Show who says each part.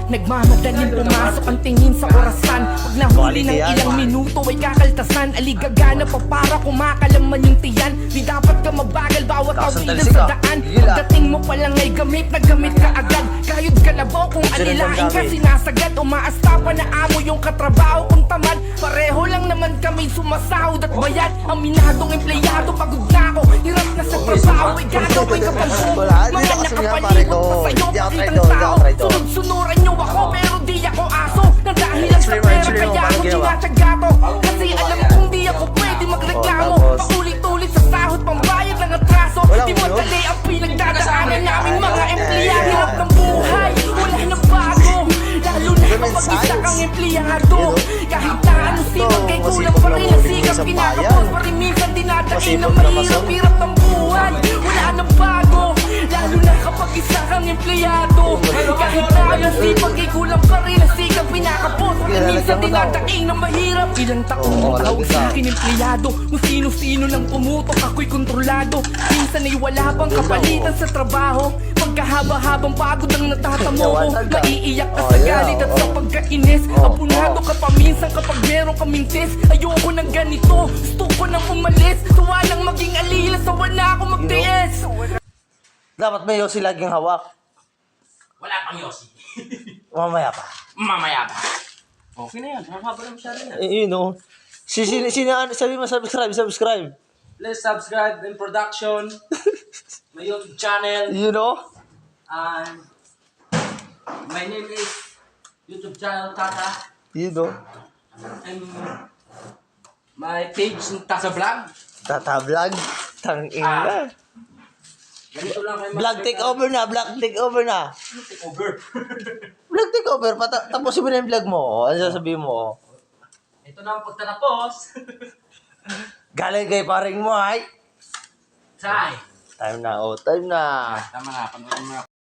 Speaker 1: Nagmamadaling pumasok ang tingin sa orasan. Pag nahuli ng ilang minuto ay kakaltasan. Aligagana pa para kumakalaman yung tiyan. Di dapat ka mabagal bawat tawilan sa daan. Pagdating mo palang ay gamit na gamit ka agad. Kayod kalabaw kung alilain ka sinasagad. Umaasta pa na amo yung katrabaho kung tamad. Pareho lang naman kami sumasahod at bayad. Aminadong empleyado pagod na ako. Hirap na sa trabaho ay gagawin ka pang buo. Mga nakapalibot pa sa'yo pakitang tao. Sunod-sunuran nyo ako pero di ako aso. Nang dahil lang sa pera kaya ako tinatsaga to. Kasi alam kong di ako pwede magreklamo. Paulit-ulit sa sahod pambayad ng atraso. Di madali ang pinagdadaanan namin mga empleyado. Hirap ng buhay, wala na bago. Lalo na kapag isa kang empleyado. Kahit na ano sipag kay kulang pa rin ang sikap kinakapos. Pa rin minsan dinadain na mahirap-hirap ng buhay. Wala na bago. Lalo na kapag isa kang empleyado. Kahit na ano sipag kay kulang pa rin ang sikap kinakapos. Pa rin minsan dinadain na mahirap. Ilang taong tawag sa akin empleyado. Kung sino-sino lang pumutok ako'y kontrolado. Minsan ay wala pang kapalitan sa trabaho. Pagkahaba-habang pagod ang natatamo ko. Maiiyak ka sa galit at sa pagkainis. Apunado ka pa minsan kapag meron kaming test. Ayoko ng ganito, gusto ko nang umalis. Sawa lang maging alila, sawa na ako magtiis.
Speaker 2: Dapat may yosi laging hawak.
Speaker 3: Wala pang yosi.
Speaker 2: Mamaya pa.
Speaker 3: Mamaya pa. Okay na yan. Mahaba na masyado yan.
Speaker 2: Yun o. Sabi mo subscribe.
Speaker 3: Please subscribe in production. My YouTube channel.
Speaker 2: You know?
Speaker 3: And my name is YouTube channel Tata.
Speaker 2: You know?
Speaker 3: And my page Tata Vlog.
Speaker 2: Tata vlog. Tangina.
Speaker 3: Ganito lang kayo
Speaker 2: Vlog take over na. Vlog take over na.
Speaker 3: Take over.
Speaker 2: Vlog take over. Tapusin mo na yung vlog mo. Ano sasabihin mo?
Speaker 3: Ito na ang pagtatapos.
Speaker 2: Galing kay paring mo ay.
Speaker 3: Say.
Speaker 2: Time na. Oh, time na.
Speaker 3: Tama na. Panoorin mo na